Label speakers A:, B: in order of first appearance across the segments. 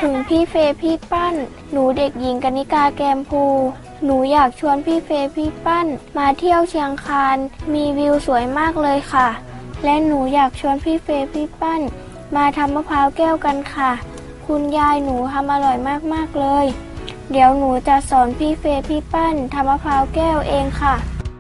A: ถึงพี่เฟย์พี่ปั้นหนูเด็กหญิงกนิกาแกมพูหนูอยากชวนพี่เฟย์พี่ปั้นมาเที่ยวเชียงคานมีวิวสวยมากเลยค่ะและหนูอยากชวนพี่เฟย์พี่ปั้นมาทำมะพร้าวแก้วกันค่ะคุณยายหนูทำอร่อยมากๆเลยเดี๋ยวหนูจะสอนพี่เฟย์พี่ปั้นทำมะพร้าวแก้วเองค่ะ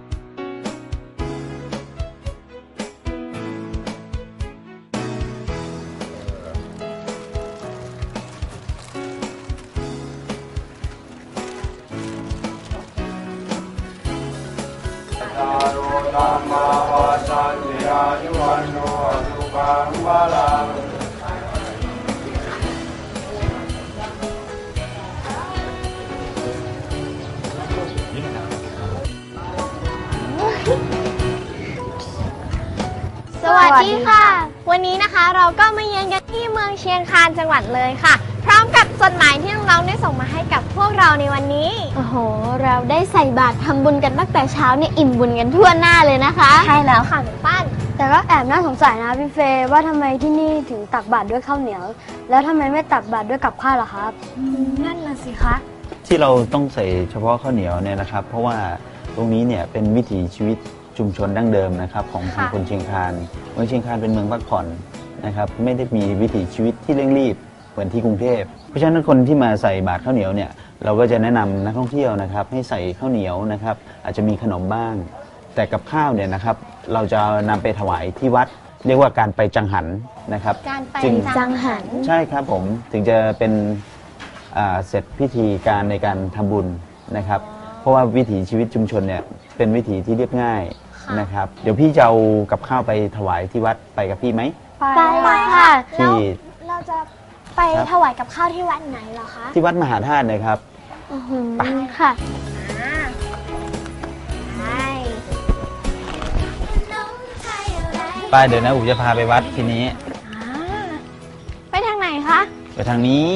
B: สวัสดีค่ะวันนี้นะคะเราก็มาเยือนกันที่เมืองเชียงคานจังหวัดเลยค่ะพร้อมกับจดหมายที่น้องๆได้ส่งมาให้กับพวกเราในวันนี้โอ้โหเราได้ใส่บาตรทำบุญกันตั้งแต่เช้าเนี่ยอิ่มบุญกันทั่วหน้าเลยนะคะใช่แล้วค่ะคุณป้านแต่ก็แอบน่าสงสัยนะพี่เฟย์ว่าทำไมที่นี่ถึงตักบาตรด้วยข้าวเหนียวแล้วทำไมไม่ตักบาตรด้วยกับข้าวล่ะครับนั่นน่ะสิคะ
C: ที่เราต้องใส่เฉพาะข้าวเหนียวเนี่ยนะครับเพราะว่าตรงนี้เนี่ยเป็นวิถีชีวิตชุมชนดั้งเดิมนะครับของทางคนเชียงคานเมืองเชียงคานเป็นเมืองพักผ่อนนะครับไม่ได้มีวิถีชีวิตที่เร่งรีบเหมือนที่กรุงเทพเพราะฉะนั้นคนที่มาใส่บาตรข้าวเหนียวเนี่ยเราก็จะแนะนำนักท่องเที่ยวนะครับให้ใส่ข้าวเหนียวนะครับอาจจะมีขนมบ้างแต่กับข้าวเนี่ยนะครับเราจะนำไปถวายที่วัดเรียกว่าการไปจังหันนะครับ
B: การไปจังหัน
C: ใช่ครับผมถึงจะเป็นเสร็จพิธีการในการทำบุญนะครับเพราะว่าวิถีชีวิตชุมชนเนี่ยเป็นวิถีที่เรียบง่ายนะครับเดี๋ยวพี่จะเอากับข้าวไปถวายที่วัดไปกับพี่ไหม
B: ไปค่ะ
C: ที่
B: เราจะไปถวายกับข้าวที่วัดไหนเหรอคะ
C: ที่วัดมหาธาตุนะครับ
B: ไปค่ะ
C: ไปเดี๋ยวนะอูจะพาไปวัดทีนี้
B: ไปทางไหนคะ
C: ไปทางนี้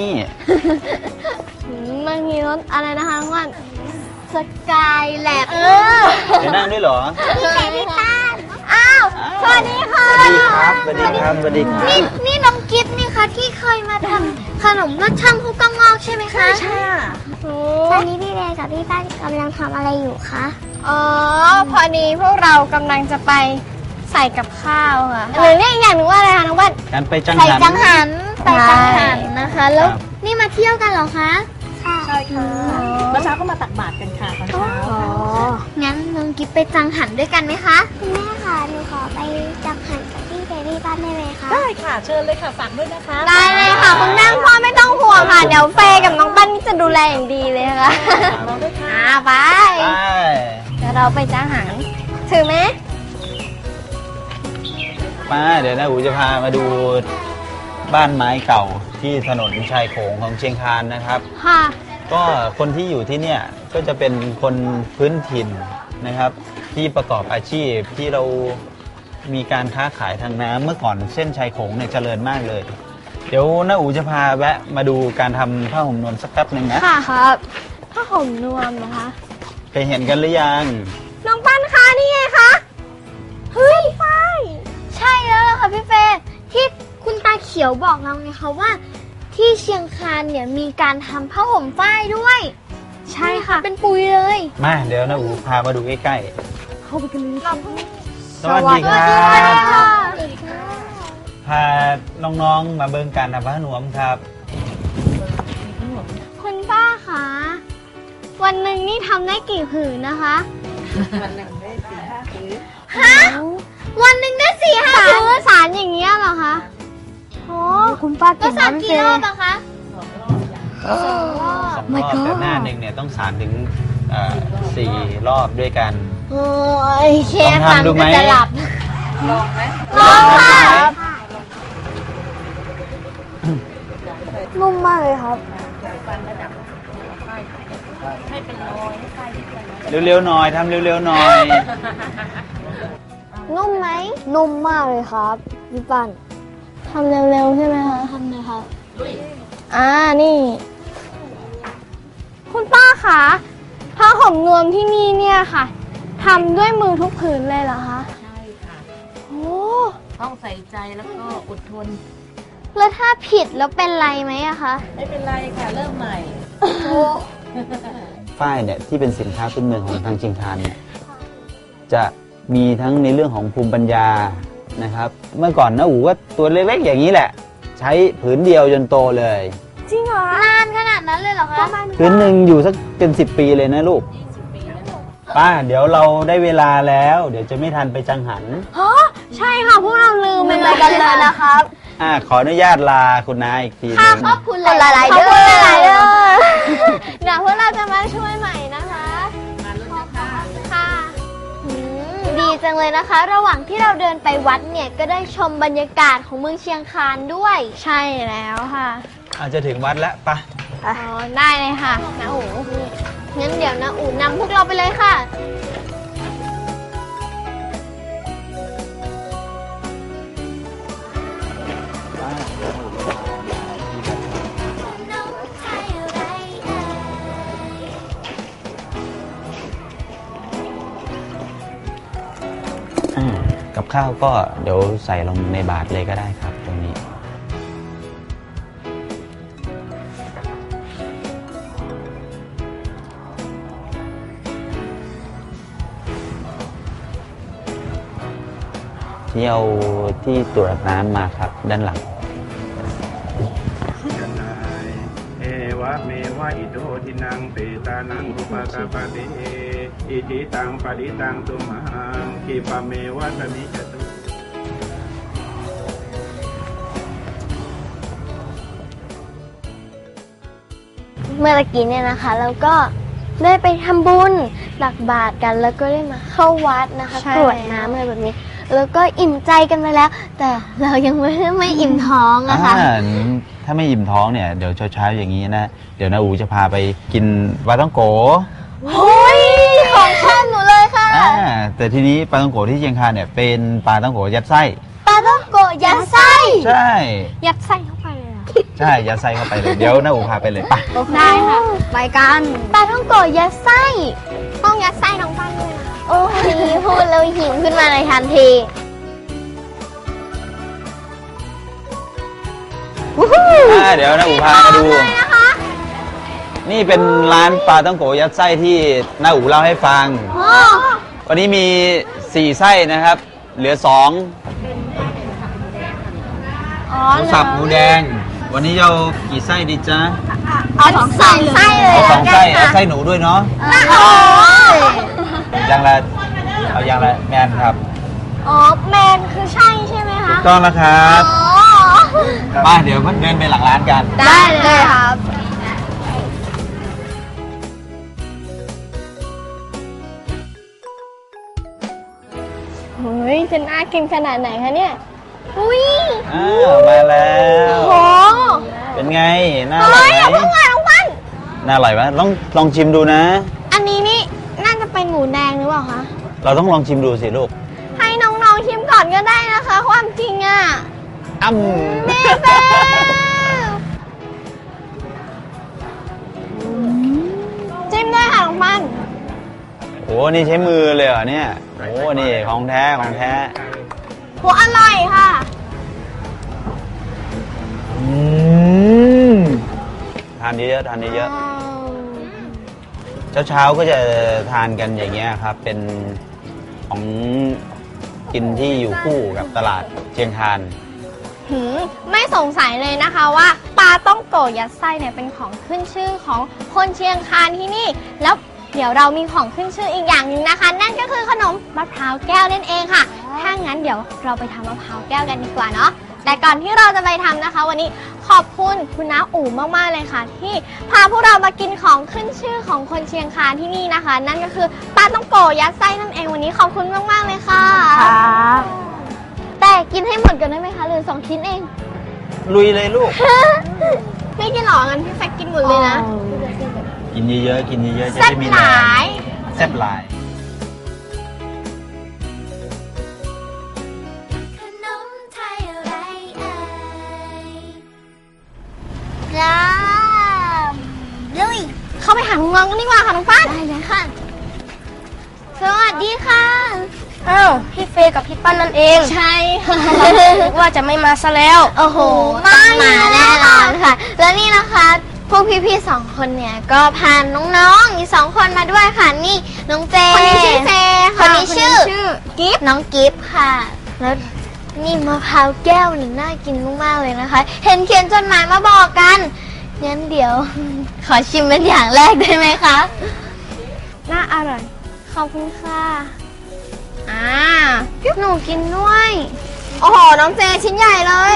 B: มันมีรถอะไรนะคะทุกคนสกายแลบ
C: เดี๋ยวนั่งด้วยเหรอ
B: พี่เฟย์พี่ตั้นอ้าวสวัสดีค่ะ
C: สวัสดีครับสวัสดีครับสวัสดีครับ
B: นี่น้องกิฟต์นี่คะที่เคยมาทำขนมลอดช่องผู้กองงอกใช่ไหมคะใช่ตอนนี้พี่เรกับพี่ตั้นกำลังทำอะไรอยู่คะอ๋อพอดีพวกเรากำลังจะไปใส่กับข้าวค่ะหรือเรียกอย่างหนึ่งว่าอะไรคะน้องวัด
C: การไปจังหัน
B: ใส่จังหันนะคะแล้วนี่มาเที่ยวกันเหรอคะ
D: ใช่ค่ะเมื่อเช้าก็มาตักบาตรกันค่ะตอนเช้า
B: งั้นน้องกิฟไปจังหันด้วยกันไหมคะ
A: แม่ค่ะหนูขอไปจังหันกับพี่เฟย์พี่ปั้นได้ไหมคะ
D: ได้ค่ะเชิญเลยค่ะฝากด้วยนะคะ
B: ได้เลยค่ะคุณแม่พ่อไม่ต้องห่วงค่ะเดี๋ยวเฟย์กับน้องปั้นจะดูแลอย่างดีเลยค่ะ
D: น้องด้วยค่ะ
B: ไปเดี๋ยวเราไปจังหันถือไหม
C: มาเดี๋ยวนะอูจะพามาดูบ้านไม้เก่าที่ถนนชายโขงของเชียงคานนะครับ
B: ค่ะ
C: ก็คนที่อยู่ที่เนี่ยก็จะเป็นคนพื้นถิ่นนะครับที่ประกอบอาชีพที่เรามีการค้าขายทางน้ำเมื่อก่อนเส้นชายโขงเนี่ยเจริญมากเลยเดี๋ยวน้าอูจะพาแวะมาดูการทำผ้าห่มนวมสักแป๊บหนึ่งนะ
B: ค่ะครับผ้าห่มนวมนะคะ
C: เคยเห็นกันหรือยัง
B: น้องปั้นคะนี่ไงคะเฮ้ยไฟใช่แล้วล่ะค่ะพี่เฟย์ที่คุณตาเขียวบอกเราไงคะว่าที่เชียงคานเนี่ยมีการทำผ้าห่มฝ้ายด้วยใช่ค่ะเป็นปุยเลย
C: มาเดี๋ยวนะอูพามาดูใกล้
B: ๆเข้าไปกันเลย
C: สวัสดีครับพาน้องๆมาเบิ่งการทำผ้าหนวมครับ
B: คุณป้าคะวันหนึ่งนี่ทำได้กี่ผืนนะคะ
D: วันหนึ่งได้4-5 ผืน
B: ฮะวันหนึ่งได้4-5 ผืนสารอย่างเงี้ยเหรอคะโอ้คุณป้าเก่งมากเลยกี่รอบอะคะ
C: 2 รอบแต่หน้าหนึ่งเนี่ยต้องสารถึง4 รอบด้วยกัน
B: โอ้ยเชฟฟังก็จะหลับ
D: ลองไหม
B: ลองค่ะ
A: นุ่มมากเลยครับ
D: ให้เป็นรอยให้ไฟ
C: เร็วๆหน่อยทำเร็วๆหน่อย
B: นุ่มไหม
A: นุ่มมากเลยครับพี่ปั้น
B: ทำเร็วๆใช่ไหมคะทำเลยค่ะนี่คุณป้าคะผ้าห่มนวมที่นี่เนี่ยค่ะทำด้วยมือทุกผืนเลยเหรอคะ
D: ใช่ค่ะ
B: โอ้
D: ต้องใส่ใจแล้วก็อดทน
B: แล้วถ้าผิดแล้วเป็นไรไหมอะคะ
D: ไม่เป็นไรค่ะ เริ่มใหม่
C: ฝ้ายเนี่ยที่เป็นสินค้าพื้นเมืองของทางเชียงคานเนี่ยจะมีทั้งในเรื่องของภูมิปัญญานะครับ เมื่อก่อนนะอู๋ก็ตัวเล็กๆอย่างนี้แหละ ใช้ผืนเดียวจนโตเลย
B: จริงเหรอนานขนาดนั้นเลยเหรอคะ
C: ผืนหนึ่งอยู่สักเป็น10 ปีเลยนะลูกป้าเดี๋ยวเราได้เวลาแล้ว เดี๋ยวจะไม่ทันไปจังหัน
B: ใช่ค่ะพวกเราลืมไปกันเลยนะครับ
C: ขออนุญาตลาคุณนายอีกทีหนึง
B: ขอบคุณหลายๆเด้อเดี๋ยวพวกเราจะมาช่วยใหม่นะคะ
D: มาลุ้นนะคะ
B: ค่ะดีจังเลยนะคะ ระหว่างที่เราเดินไปวัดเนี่ยก็ได้ชมบรรยากาศของเมืองเชียงคานด้วย ใช่แล้วค่ะ
C: อาจจะถึงวัดแล้วปะ
B: อ๋อได้เลยค่ะน้าอู๋งั้นเดี๋ยวน้าอู๋นำพวกเราไปเลยค่ะ
C: กับข้าวก็เดี๋ยวใส่ลงในบาตรเลยก็ได้ครับตรงนี้ ที่เอาที่ตรวจน้ำมาครับด้านหลัง
E: ยะนายเอวะเมวะอิโตทินังเปตานังอุปกปปติอิทิตังปริตังตุมหังคิปะเมวะสมิจตุ
B: เมื่อกี้เนี่ยนะคะเราก็ได้ไปทำบุญตักบาตรกันแล้วก็ได้มาเข้าวัดนะคะกรวดน้ำอะไรแบบนี้ แล้วก็อิ่มใจกันไปแล้ว แต่เรายังไม่อิ่มท้องอะค่ะ
C: ถ้าไม่อิ่มท้องเนี่ยเดี๋ยวเช้าๆอย่างนี้นะ เดี๋ยวนาอูจะพาไปกินปลาต้องโก
B: โอ้ยของชอบหนูเลยค่ะ
C: แต่ทีนี้ปลาต้องโกที่เชียงคานเนี่ยเป็นปลาต้องโกยัดไส้
B: ปลาต้องโกะยัดไส้
C: ใช่
B: ยัดไส้เข้าไปเลยเหรอ
C: ใช่ยัดไส้เข้าไปเลยเดี๋ยวนาอูพาไปเลยไป
B: ได้ค่ะไปกันปลาต้องโกะยัดไส้ต้องยัดไส้น้องปั้นด้วยนะโอ้ยพูดแล้วหิวขึ้นมาในทันที
C: เดี๋ยวนาอูพามาดู นี่เป็นร้านปลาต้องโกยัดไส้ที่นาอูเล่าให้ฟัง วันนี้มี 4 ไส้นะครับ เหลือ 2
B: อ๋อ
C: หมูสับหมูแดง วันนี้เอากี่ไส้ดีจ๊ะ
B: เอาสองไส้เลย
C: เอา 2 ไส้
B: แล้วกันค่ะ
C: เอาไส้หนูด้วยเนาะ
B: โอ้ย
C: อย่างละเอาอย่างละแมนครับ
B: อ๋อแมนคือใช่ใช่ไหม
C: ถู
B: คะ
C: กต้องแล้วครับ
B: อ๋อ
C: มาเดี๋ยวเดินไปหลังร้านกัน
B: ได้เลยครับเฮ้ยจะน่ากินขนาดไหนคะเนี่ย อุ้ย
C: มาแล้ว
B: โห
C: เป็นไง น่าอ
B: เฮ้
C: ร่อย
B: ยอย่า
C: ไหม
B: เพิ่งมาน้องปั้น
C: น่าอร่อยไหมลองชิมดูนะ
B: อันนี้นี่น่าจะเป็นหมูแดงหรือเปล่าคะ
C: เราต้องลองชิมดูสิลูก
B: ให้น้องๆชิมก่อนก็ได้นะคะ ความจริงอ่ะ
C: อ้ำ
B: เมเซ่จิ้มด้วยค่ะน้องปั้น
C: โอ้นี่ใช้มือเลยเหรอเนี่ย โอ้นี่ของแท้ของแท้
B: โหอร่อยค่ะ
C: ทานเยอะๆทานเยอะๆเช้าๆก็จะทานกันอย่างเงี้ยครับ เป็นของกินที่อยู่คู่กับตลาดเชียงคาน
B: ไม่สงสัยเลยนะคะว่าปลาต้องโกะยัดไส้เนี่ยเป็นของขึ้นชื่อของคนเชียงคานที่นี่ แล้วเดี๋ยวเรามีของขึ้นชื่ออีกอย่างหนึ่งนะคะ นั่นก็คือขนมมะพร้าวแก้วนั่นเองค่ะ ถ้างั้นเดี๋ยวเราไปทำมะพร้าวแก้วกันดีกว่าเนาะ แต่ก่อนที่เราจะไปทำนะคะ วันนี้ขอบคุณคุณน้าอู๋มากๆเลยค่ะ ที่พาพวกเรามากินของขึ้นชื่อของคนเชียงคานที่นี่นะคะ นั่นก็คือปลาต้องโกะยัดไส้นั่นเองวันนี้ขอบคุณมากๆเลยค่ะแต่กินให้หมดกันได้ไหมคะเหลือ2 ชิ้นเอง
C: ลุยเลยลูก
B: ไม่กินหรองั้นพี่แฟกกินหมดเลยนะ
C: กินเยอะๆกินเยอะๆจะ
B: แซ่บ
C: ได้มี
B: ห
C: แร
B: ลาง ย
C: แซ่บหลาย
F: ขนมไทยอะไรเอ่ย
B: จ้าลุยเข้าไปหาน้องๆกันดีกว่าค่ะน้องฟ้านได้เลยค่ะ สวัสดีค่ะ
F: ส
G: อ้าวพี่เฟย์กับพี่ปั้นนั่นเอง
B: ใช่ค่ะ
G: นึกว่าจะไม่มาซะแล้ว
B: โอ้โหต้องมาแน่นอนค่ะ แล้วนี่นะคะ พวกพี่ๆ2 คนเนี่ยก็พาน้องๆอีก2 คนมาด้วยค่ะ นี่น้องเจ
G: คนนี้ชื่อเจค่ะ
B: คนนี้ชื่อ
G: คนนี้ชื่อกิ๊บ
B: น้องกิฟต์ค่ะ แล้วนี่มะพร้าวแก้วนี่น่ากินมากๆเลยนะคะ เห็นเขียนจดหมายมาบอกกันงั้นเดี๋ยว ขอชิมเป็นอย่างแรกได้ไหมคะ
G: น่าอร่อย
B: ขอบคุณค่ะหนูกินด้วย โอ้โห น้องเจชิ้นใหญ่เลย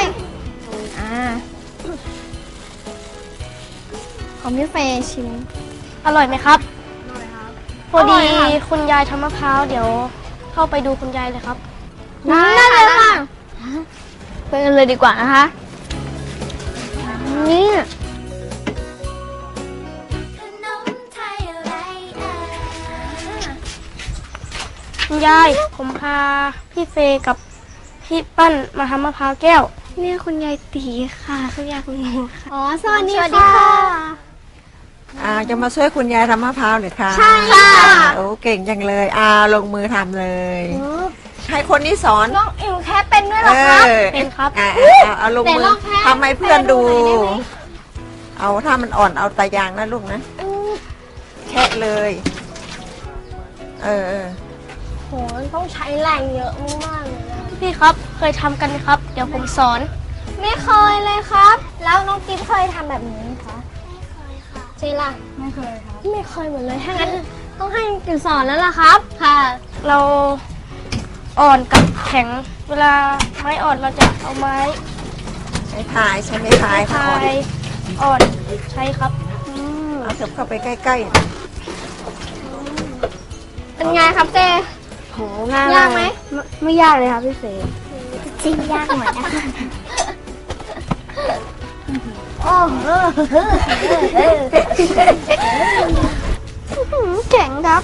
B: ของพี่เฟย์ชิม
G: อร่อยไหมครับพอดี
B: อร่อยค่ะ
G: คุณยายทำมะพร้าวเดี๋ยวเข้าไปดูคุณยายเลยครับ
B: ได้เลยค่ะไปกันเลยดีกว่านะคะนี่
F: ขนมไทยอะไรเอ่ย
G: คุณยายผมพาพี่เฟย์กับพี่ปั้นมาทำมะพร้าวแก้วเนี่ยคุณยายตีค่ะคุณยายคุณหนูค่ะ
B: อ๋อสวัสดีค่ะ
H: จะมาช่วยคุณยายทำมะพร้าวเหรือคะ
B: ใช่ค่ะ
H: โอ้เก่งจังเลยลงมือทำเลย ให้คนนี้สอน
B: น้องอิ๋วแค่เป็นด้วยเหรอครับ
G: เป็นครับ
H: เอาลงมื
B: ไหนล
H: อ
B: องแค่
H: ทำให้เพื่อนดู
B: แค่ดูหน่อยได้ไหม
H: เอาถ้ามันอ่อนเอาตายางนะลูกนะแค่เลย
B: โหต้องใช้แรงเยอะมากๆเลยนะ
G: พี่ครับเคยทำกันไหมครับ เดี๋ยวผมสอน
B: ไม่เคยเลยครับ แล้วน้องกิ๊ฟเคยทำแบบนี้ไหมคะเจล่ะไม่เคยครับไม่เคยเหมือนเลยถ้างั้นต้องให้กิ๊ฟสอนแล้วล่ะครับ ค่ะ
G: เราอ่อนกับแข็ง เวลาไม้อ่อนเราจะเอาไม้
H: ใช้พายใช้ไม่พาย
G: พา
H: อ่อน
G: ยอ่อนใช้ครับ
H: เอาเถิบเข้าไปใกล้
B: เป็นไงครับเจ
G: โหง่าย
B: ยากไหม
G: ไม่ยากเลยครับพี่เฟย์
B: จริงยากหน่อยนะคะ
G: เจ๋งครับ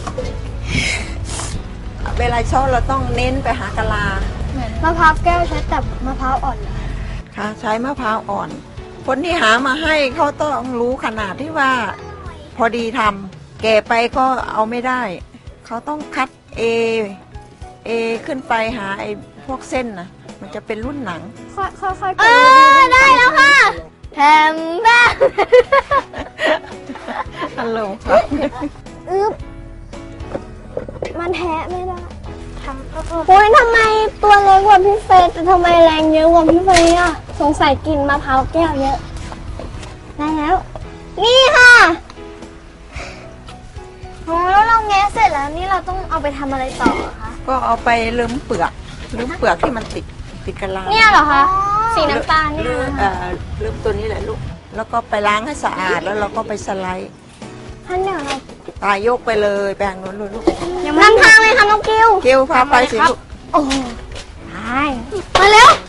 H: ๆเวลาช้อนเราต้องเน้นไปหากะลาม
B: ะพร้าวแก้วใช้แต่มะพร้าวอ่อนเหรอ
H: ค่ะใช้มะพร้าวอ่อน คนที่หามาให้เขาต้องรู้ขนาดที่ว่า พอดีทำแก่ไปก็เอาไม่ได้ เขาต้องคัดเอขึ้นไปหาไอ้พวกเส้นนะมันจะเป็นรุ่นหนัง
B: ค่อยๆได้แล้วค่ะแถมบ้า
H: ฮัลโหลครับ
B: มันแทะไม่ได้โอ้ยทำไมตัวเล็กกว่าพี่เฟย์แต่ทำไมแรงเยอะกว่าพี่เฟย์อ่ะ สงสัยกินมะพร้าวแก้วเยอะ ได้แล้ว นี่ค่ะโอ้แล้วเราแงะเสร็จแล้วนี่เราต้องเอาไปทำอะไรต่อคะ
H: ก็เอาไปลืมเปลือกที่มันติดกะลา
B: เนี่ยเหรอคะ สีน้ำตาลเนี่ย
H: ลืม
B: นะคะ
H: ลืมตัวนี้แหละลูก แล้วก็ไปล้างให้สะอาดแล้วเราก็ไปสไลด์
B: ท่านเดี๋ยวเรา
H: ตายยกไปเลยแปลงนู้นเลยลูก
B: นำทางเลยค่ะน้องกิว
H: เกลพาไปสิลูก
B: โอ้ใช่มาเร็ว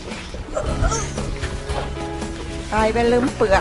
H: ตายไปลืมเปลือก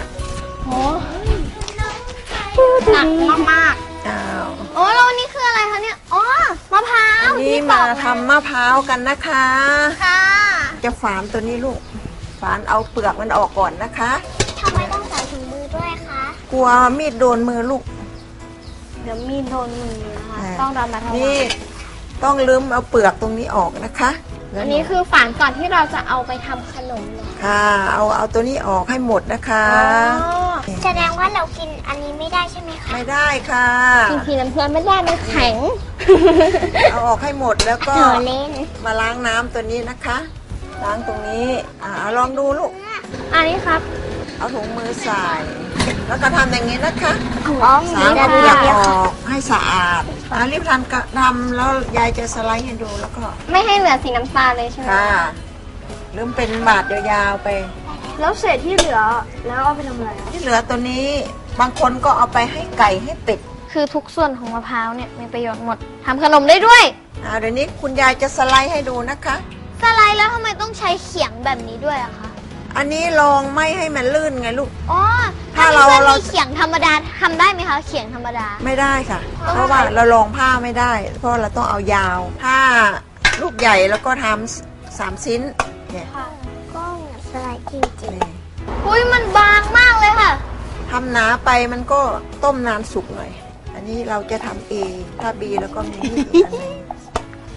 B: หนักมาก
H: อ้าว
B: ๆโอ้แล้ววันนี้คืออะไรคะเนี่ย อ๋อ มะพร้าว
H: นี่
B: ที่ป
H: มา
B: อก
H: ทำมะพร้าวกันนะคะ
B: ค่ะ
H: จะฝานตัวนี้ลูก ฝานเอาเปลือกมันออกก่อนนะคะ
B: ทำไมต้องใส่ถุงมือด้วยคะ
H: กลัวมีดโดนมือลูก
B: เดี๋ยวมีโดนมือนะคะ
H: อ่า
B: ต้องระมัดระวั
H: นี่
B: ง
H: ต้องลืมเอาเปลือกตรงนี้ออกนะคะแล้ว
B: อันนี้คือฝานก่อนที่เราจะเอาไปทำขนมเหรอ
H: ค่ะเอาตัวนี้ออกให้หมดนะคะ
B: แสดงว่าเรากินอันนี้ไม่ได้ใช่ไหมคะ
H: ไม่ได้ค่ะ
B: กินทีน้ำเพื่อนไม่ได้มันแข็ง
H: เอาออกให้หมดแล้วก็
B: เธอเล่น
H: มาล้างน้ำตัวนี้นะคะ ล้างตรงนี้ลองดูลูก
B: อันนี้ครับ
H: เอาถุงมือใส่ แล้วก็ทำอย่างนี้นะคะ
B: อ๋อ
H: สามเอาเปลือกออกให้สะอาดรีบทำแล้วยายจะสไลด์ให้ดูแล้วก็
B: ไม่ให้เหลือสีน้ำตาลเลยใช่ไหม
H: ค่ะลืมเป็นบาดยาวๆไป
B: แล้วเศษที่เหลือแล้วเอาไปทำอะไร
H: ที่เหลือตัวนี้บางคนก็เอาไปให้ไก่ให้เป็ด
B: คือทุกส่วนของมะพร้าวเนี่ยมีประโยชน์หมดทำขนมได้ด้วย
H: เดี๋ยวนี้คุณยายจะสไลด์ให้ดูนะคะ
B: สไลด์แล้วทำไมต้องใช้เขียงแบบนี้ด้วยอะคะ
H: อันนี้ลองไม่ให้มันลื่นไงลูก
B: อ๋อ
H: ถ้า
B: อัน
H: เรา
B: นี้
H: เรา
B: มีเขียงธรรมดาทำได้ไหมคะ เขียงธรรมดา
H: ไม่ได้ค่ะ เพราะว่าเราลองผ้าไม่ได้ เพราะเราต้องเอายาว ผ้าลูกใหญ่แล้วก็ทำ3 ชิ้นเนี่ย
B: ก็สไลด์จริง
H: นี่
B: ๆอุ้ยมันบางมากเลยค่ะ
H: ทำหนาไปมันก็ต้มนานสุกหน่อย อันนี้เราจะทำ A ถ้า B แล้วก็มีมีดอีกอันหนึง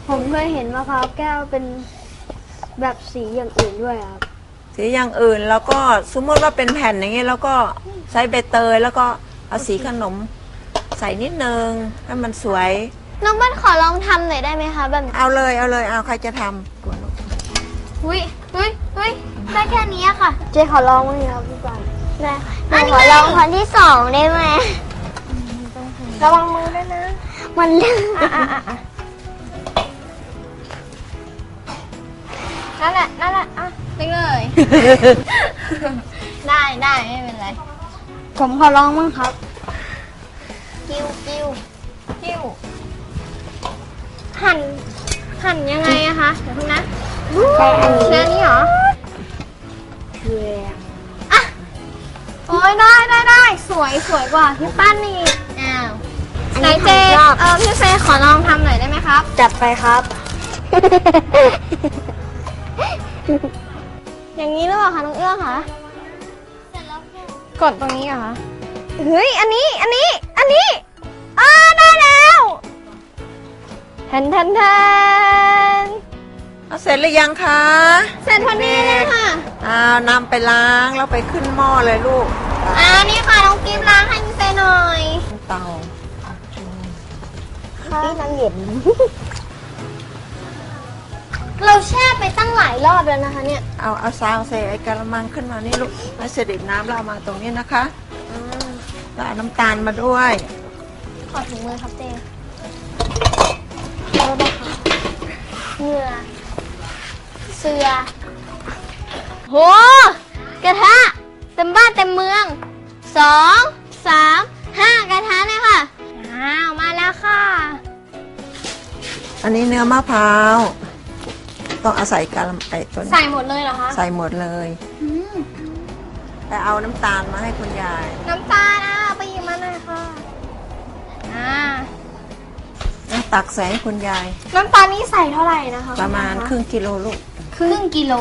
G: ผมเคยเห็นมะพร้าวแก้วเป็นแบบสีอย่างอื่นด้วยครับ
H: สีอย่างอื่นแล้วก็สมมติว่าเป็นแผ่นอย่างนี้แล้วก็ใช้ใบเตยแล้วก็เอาสีขนมใส่นิดนึงให้มันสวย
B: น้องปั้นขอลองทำหน่อยได้ไหมคะแบบ
H: เอาเลยเอาใครจะทำ
B: อุ้ยได้แค่นี้ค่ะ
G: เจ๊ขอลองมั้างดิครับพี่ปัน
B: ได้หนูขอลองคนที่2ได้ไหม
G: ระวังมือด้วยนะ
B: มันลื่นนั่นแหละอ่ะไปเลย ได้ไม่เป็นไร
G: ผมขอลองมั้างครับ
B: กิ้วหั่นยังไงอะคะเดี๋ยวพึ่งนะ
G: ใช่อันนี้
B: เชื่อนี่เหรอ
G: เชื่อ
B: อ่ะโอ้ยได้สวยกว่าพี่ปั้นนี่อ้าวไหนเจพี่เฟย์ขอลองทำหน่อยได้ไหมครับ
G: จัดไปครับ
B: อย่างนี้หรือเปล่าคะน้องเอื้อคะกดตรงนี้เหรอคะเฮ้ยอันนี้ได้แล้วแทน
H: เอาเสร็จหรือยังคะ
B: เสร็จพอดีเลยค่ะ
H: นำไปล้างแล้วไปขึ้นหม้อเลยลูก
B: นี่ค่ะน้องกิฟล้างให้พี่เฟย์หน่อย
H: เตา
G: พี่นางเย็น
B: เราแช่ไปตั้งหลายรอบแล้วนะคะเนี่ย
H: เอาซาวใส่ไอ้กระมังขึ้นมานี่ลูกให้เสด็จน้ำเรามาตรงนี้นะคะแล้วเอาน้ำตาลมาด้วย
B: ขอถุงมือครับเจเหงื่อเสือโหกระทะเต็มบ้านเต็มเมือง2 3 5กระทะเลยค่ะมาแล้วค่ะ
H: อันนี้เนื้อมะพร้าวต้องเอาใส่กระไอ้ตัวนี้
B: ใส่หมดเลยเหรอคะ
H: ใส่หมดเลยแต่เอาน้ำตาลมาให้คุณยาย
B: น้ำตาลไปหยิบมาหน่อยค่ะ
H: ตักใส่ให้คุณยาย
B: น้ำตาลนี่ใส่เท่าไหร่นะคะ
H: ประมาณครึ่งกิโลลูก
B: ครึ่งกิโล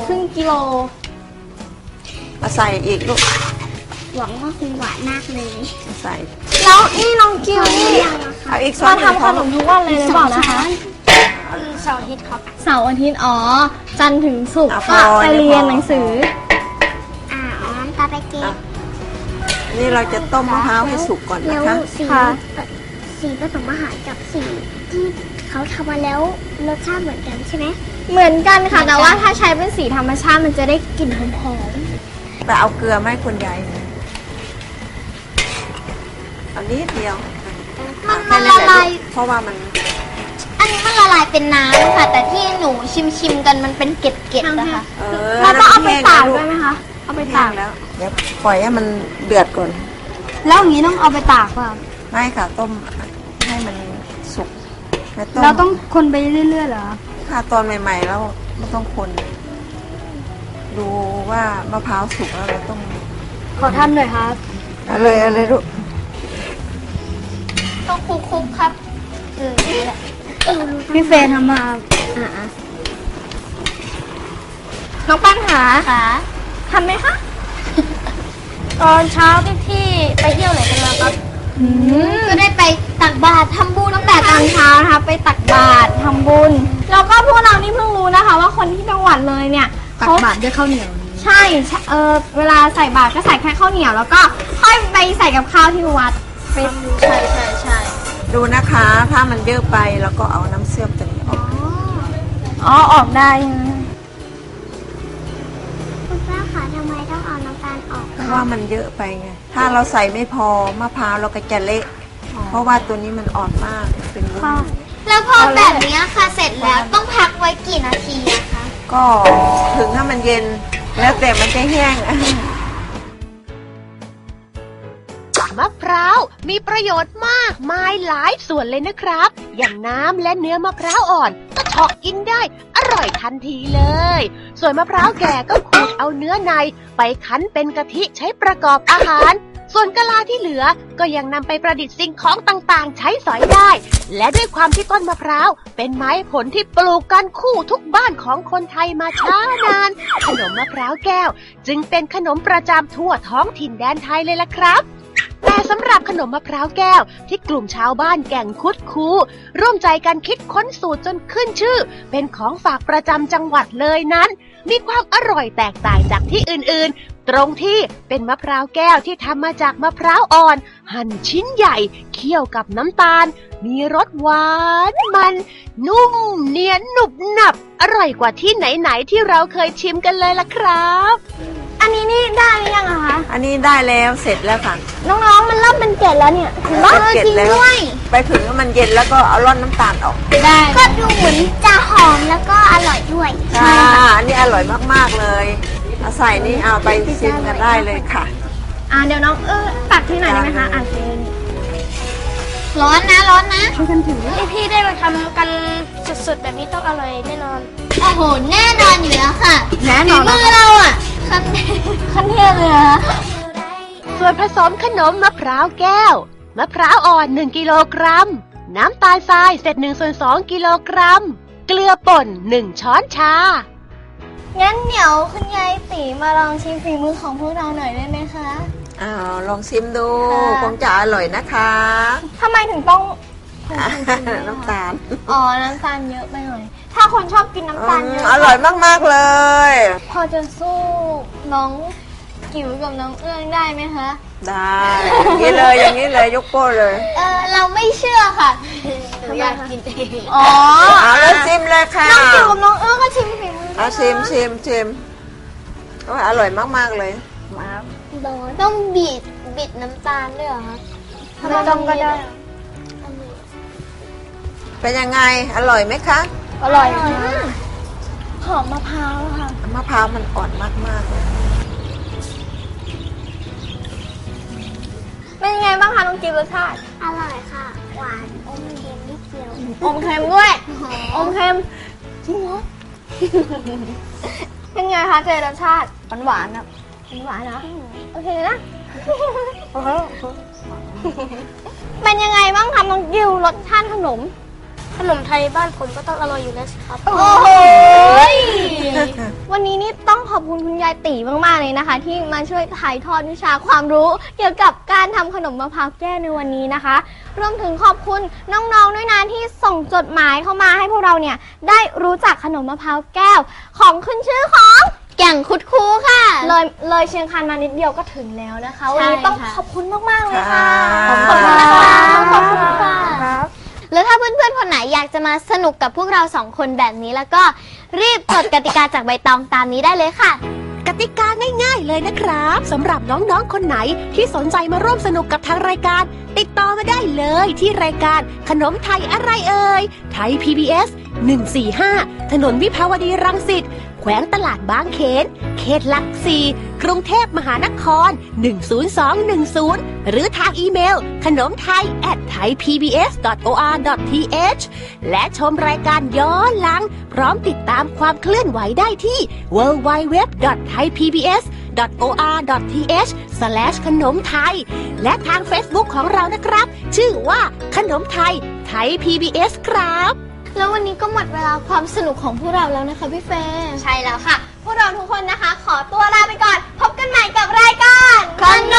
H: มาใส่อีกลูก
B: หวังว่าคงหวานมากเลย
H: ใส่
B: แล้วนี่น้องกิวนี่
H: เอาอีกช้อ
B: มาน ทำขนมทุกวันเลยหรือเปล่านะคะ
G: เสาร์อาทิตย์ครับ
B: เสาร์อาทิตย์จันทร์ถึงศุกร์
H: พ
B: ก็ไปเรียนหนังสือ
F: น้ำตาไปเก็บ
H: นี่เราจะต้มมะพร้าวให้สุกก่อน
F: แล้ว
H: นะคะ
F: สีผสมอาหารกับสีที่เขาทำมาแล้วรสชาติเหมือนกันใช่ไหม
B: เหมือนกันค่ะ แต่ว่าถ้าใช้เป็นสีธรรมชาติมันจะได้กลิ่นหอม
H: ไปเอาเกลือมาให้คุณยายอันนี้เดียว
B: ๆมันละลาย
H: เพราะว่ามัน
B: อันนี้มันละลายเป็นน้ำค่ะ แต่ที่หนูชิมกันมันเป็นเกล็ดๆนะคะ
H: เรา
B: เราต้องเอาไปตากด้วยไหมคะ
H: เอาไปตากแล้วเดี๋ยวปล่อยให้มันเดือดก่อน
G: แล้วอย่างนี้ต้องเอาไปตากป่ะ
H: ไม่ค่ะต้มให้มันสุกแล้วต้ม
G: เราต้องคนไปเรื่อยๆเหรอ
H: ค่ะตอนใหม่ๆแล้วไม่ต้องคน ดูว่ามะพร้าวสุกแล้วเราต้อง
G: ขอทำหน่อยครับ
H: เอาเลยลูก
B: ต้องคลุกๆครับนี่แหละ
G: พี่เฟย์ทำมา
B: น้องปั้นหาทำไหมคะ
G: ตอนเช้าพี่ไปเที่ยวไหนกันมาครับ
B: ก็ได้ไปตักบาตรทำบุญตั้งแต่ตอนเช้านะคะไปตักบาตรทำบุญแล้วก็พวกเรานี่เพิ่งรู้นะคะ ว่าคนที่จังหวัดเลยเนี่ย
G: ตักบาตรด้วยข้าวเหนียว
B: ใช่เวลาใส่บาตรก็ใส่แค่ข้าวเหนียวแล้วก็ค่อยไปใส่กับข้าวที่วัดใช่
H: ดูนะคะ ถ้ามันเยอะไปแล้วก็เอาน้ำเชื่อมตัวนี้ออก
B: ออกได้
F: คุณป้าคะทำไมต้องเอาน้ำตาลออก
H: เพราะว่ามันเยอะไปไงถ้าเราใส่ไม่พอมะพร้าวเราก็จะเละเพราะว่าตัวนี้มันอ่อนมากเป็นวุ้น
B: แล้วพอแบบนี้ค่ะเสร็จแล้วต้องพักไว้กี่นาทีอะคะ
H: ก็ถึงถ้ามันเย็นแล้วแต่มันจะแห้ง
I: มะพร้าวมีประโยชน์มากมายหลายส่วนเลยนะครับ อย่างน้ำและเนื้อมะพร้าวอ่อนก็เฉาะกินได้อร่อยทันทีเลย ส่วนมะพร้าวแก่ก็ขูดเอาเนื้อในไปคั้นเป็นกะทิใช้ประกอบอาหาร ส่วนกะลาที่เหลือก็ยังนำไปประดิษฐ์สิ่งของต่างๆ ใช้สอยได้ และด้วยความที่ต้นมะพร้าวเป็นไม้ผลที่ปลูกกันคู่ทุกบ้านของคนไทยมาช้านาน ขนมมะพร้าวแก้วจึงเป็นขนมประจำทั่วท้องถิ่นแดนไทยเลยล่ะครับแต่สำหรับขนมมะพร้าวแก้วที่กลุ่มชาวบ้านแก่งคุดคูร่วมใจกันคิดค้นสูตรจนขึ้นชื่อเป็นของฝากประจำจังหวัดเลยนั้นมีความอร่อยแตกต่างจากที่อื่นๆตรงที่เป็นมะพร้าวแก้วที่ทำมาจากมะพร้าวอ่อนหั่นชิ้นใหญ่เคี่ยวกับน้ำตาลมีรสหวานมันนุ่มเนียนหนุบหนับอร่อยกว่าที่ไหนๆที่เราเคยชิมกันเลยล่ะครับ
B: อันนี้นี่ได้หรือยังอะคะ
H: อันนี้ได้แล้วเสร็จแล้วค่ะ
B: น้องๆมันเริ่มเป็นเกล็ดแล้วเนี่ย
H: เก็บแล้วไปถึงมันเย็นแล้วก็เอาร่อนน้ำตาลออก
B: ได้
F: ก็ดูเหมือนจะหอมแล้วก็อร่อยด้วย
H: ใช่อันนี้อร่อยมากๆเลยเอาใส่นี่เอาไปชิมกันได้เลยค่ะ
B: เดี๋ยวน้องตักที่ไหนอยได้ไหมคะเชิญ
F: ร้อนนะร้อนนะ
G: พี่ได้มาทำกันสุดๆแบบนี้ต้องอร่อยแน่นอน
F: โอ้โหแน่นอนอยู่แล้วค่ะ
B: แน่นอน
F: มือเราอ่ะขั้นเทพเลยนะ
I: ส่วนผสมขนมมะพร้าวแก้วมะพร้าวอ่อน1กิโลกรัมน้ำตาลทรายเศษ1/2 กิโลกรัมเกลือป่น1 ช้อนชา
B: งั้นเดี๋ยวคุณยายตีมาลองชิมฝีมือของพวกเราหน่อยได้ไหมคะ
H: อ้าวลองชิมดู
B: ค่ะ
H: คงจะอร่อยนะคะ
B: ทำไมถึงต้อง
H: น้ำตาล
B: น้ำตาลเยอะไปหน่อย ถ้าคนชอบกินน้ำตาลเยอะ
H: อร่อยมากๆเลย
B: พอจะสู้น้องกิ๋วกับน้องเอื้องได้ไหมคะ
H: ได้อย่างนี้เลยอย่างนี้เลยยกโป้เลย
B: เราไม่เชื่อค่ะหนูอยากกินเองอ๋อ
H: เอาแล้วชิมเลยค่ะ
B: น้องกิ๋วกับน้องเอื้องก็ชิมฝีมือ
H: เอาชิมโอ้ยอร่อยมากๆเลย
F: ต้องบิดน้ำตาลด้วยเหรอคะ
B: ไม่ต้องก็ได้
H: เป็นยังไงอร่อยไหมคะ
B: อร่อย
F: หอมมะพร้าวค่ะ
H: มะพร้าวมันอ่อนมากๆเลย
B: เป็นยังไงบ้างคะน้องกิ๋วรสชาติ
F: อร่อยค่ะ หวานอมเค็มนิดเดียว
B: อมเค็มด้วย อมเค็มจริงเหรอ เป็นไงคะเจรสชาติหวานๆครับหวานนะโอเคนะ เป็นยังไงบ้างคะน้องกิ๋วรสชาติขนม
G: ขนมไทยบ้านผมก็ต้องอร่อยอยู่แล้วสิครับ
B: โอ้โห วันนี้นี่ต้องขอบคุณคุณยายตีมากๆเลยนะคะ ที่มาช่วยถ่ายทอดวิชาความรู้ เกี่ยวกับการทำขนมมะพร้าวแก้วในวันนี้นะคะ รวมถึงขอบคุณน้องๆด้วยนะที่ส่งจดหมายเข้ามาให้พวกเราเนี่ยได้รู้จักขนมมะพร้าวแก้วของขึ้นชื่อของแก่งคุดคูค่ะเลยเชียงคานมานิดเดียวก็ถึงแล้วนะคะวันนี้ต้องขอบคุณมากๆเลยค่ะ
H: ค่ะ
B: ขอบคุณนะคะขอบคุณค่ะ
F: แล้วถ้าเพื่อนๆคนไหนอยากจะมาสนุกกับพวกเราสองคนแบบนี้แล้วก็รีบจดกติกาจากใบตองตามนี้ได้เลยค่ะ
I: กติกาง่ายๆเลยนะครับสำหรับน้องๆคนไหนที่สนใจมาร่วมสนุกกับทางรายการ ติดต่อมาได้เลยที่รายการขนมไทยอะไรเอ่ยไทย PBS 145 ถนนวิภาวดีรังสิตแขวงตลาดบางเขนเขตหลัก4กรุงเทพมหานคร 10210 หรือทางอีเมลขนมไทย@thaipbs.or.th และชมรายการย้อนหลัง พร้อมติดตามความเคลื่อนไหวได้ที่ www.thaipbs.or.th ขนมไทยและทาง Facebook ของเรานะครับ ชื่อว่าขนมไทยไทย PBS ครับ
B: แล้ววันนี้ก็หมดเวลาความสนุกของพวกเราแล้วนะคะพี่เฟย์ใช่แล้วค่ะ พวกเราทุกคนนะคะ ขอตัวลาไปก่อน พบกันใหม่กับรายการ
F: คน